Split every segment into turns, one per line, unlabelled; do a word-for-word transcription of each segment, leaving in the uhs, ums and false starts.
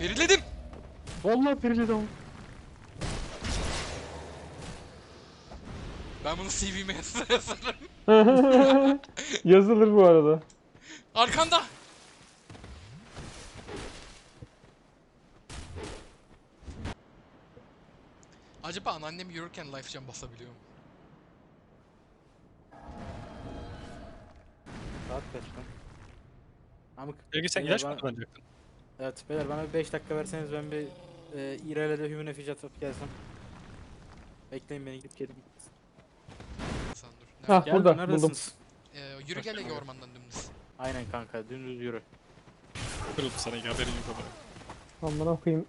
Veriledim.
Vallahi periledim.
Ben bunu C V'me yazarım.
Yazılır bu arada.
Arkanda. Acaba anneannem yürürken life jump basabiliyor mu?
Saat kaç lan? Amık.
Peki sen
Beyler
ilaç mı
bana-
kullanacaktın?
Evet beyler bana bir beş dakika verseniz ben bir e, İrel'e human effigy atıp gelsem. Bekleyin beni gidip gelip.
Sen dur.
Ha
Nerede?
burada
Geldim,
buldum.
neredesiniz?
Ee, yürü gel Ege ormandan dümdüz.
Aynen kanka dümdüz yürü.
Kırıldı sana haberin yok ama.
Amına koyayım.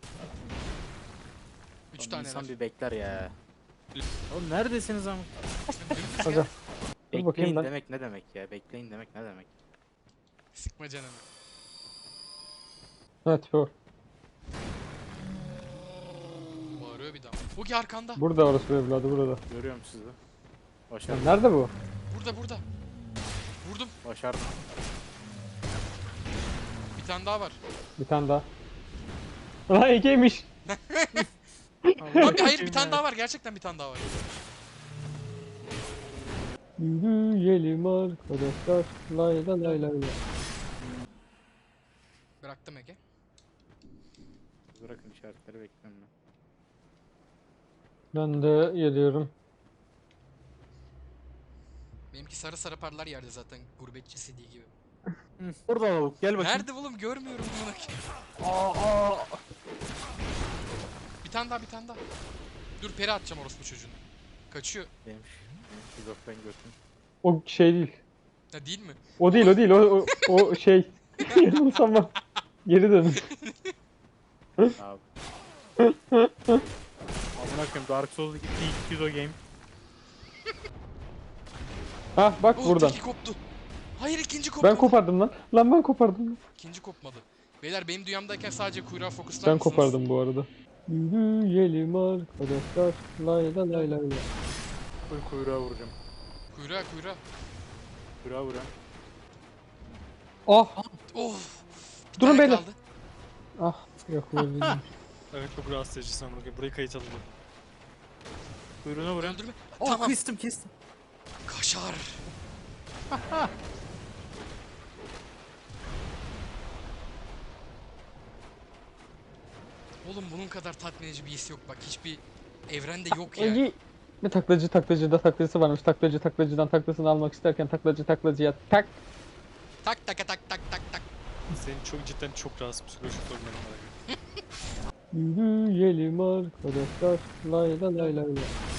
Üç
Oğlum
tane
İnsan
var.
bir bekler ya. Oğlum neredesiniz amık?
Dümdüz
Aga.
gel.
Dur bakayım
Bekleyin
ben.
demek ne demek ya? Bekleyin demek ne demek?
Sıkma canını.
Evet bu.
Bağırıyor bir daha. Bugi arkanda.
Burada orası bir evladı burada.
Görüyorum sizi.
Ya
Başardım.
nerede bu?
Burada burada. Vurdum.
Başardım.
Bir tane daha var.
Bir tane daha. Lan Ege'ymiş.
Abi hayır bir tane daha var. Gerçekten bir tane daha var.
Yürüyelim arkadaşlar. Lay lay lay lay.
Bıraktım Ege.
Bırakın işaretleri bekliyorum ben.
Ben de geliyorum.
Benimki sarı sarı parlar yerde zaten gurbetçi C D gibi.
Hı, burada lavuk gel bakayım.
Nerede oğlum görmüyorum bunu.
Aa, aa.
Bir tane daha bir tane daha. Dur peri atacağım orospu çocuğunu. Kaçıyor.
Benim, benim şizofren götüm.
O şey değil.
Ha değil mi?
O değil o değil o o, o şey. Yanılsama. Geri dön.
Abi. Amına koyayım Dark Souls iki iki yüz o game.
Hah bak
Oh,
buradan.
teki koptu. Hayır ikinci kopmadı.
Ben kopardım lan. Lan ben kopardım. Lan.
İkinci kopmadı. Beyler benim dünyamdayken sadece kuyruğa fokuslar
Ben
mısınız?
kopardım bu arada. Yürüyelim arkadaşlar. Lay lay lay lay.
Full kuyruğa vuracağım.
Kuyruğa kuyruğa.
Kuyruğa vuracağım.
Ah.
Oh. Bir
Durun
tane
beyler.
kaldı.
Ah. Yok öyle değil.
Evet çok rahatsız edici sanırım. Burayı kayıt alalım.
Kuyruğuna vuracağım.
Öldürme.
Oh,
Tamam.
kestim kestim.
Kaşar. Oğlum bunun kadar tatmin edici bir his yok bak hiçbir evrende yok ya.
Egi. Bir taklacı taklacıda taklacısı varmış. Taklacı taklacıdan taklasını almak isterken taklacı taklacıya tak.
Tak tak tak tak tak tak.
Senin çok cidden çok rahatsız psikolojik sorunların var.
Yürüyelim arkadaşlar. Lay lay lay lay.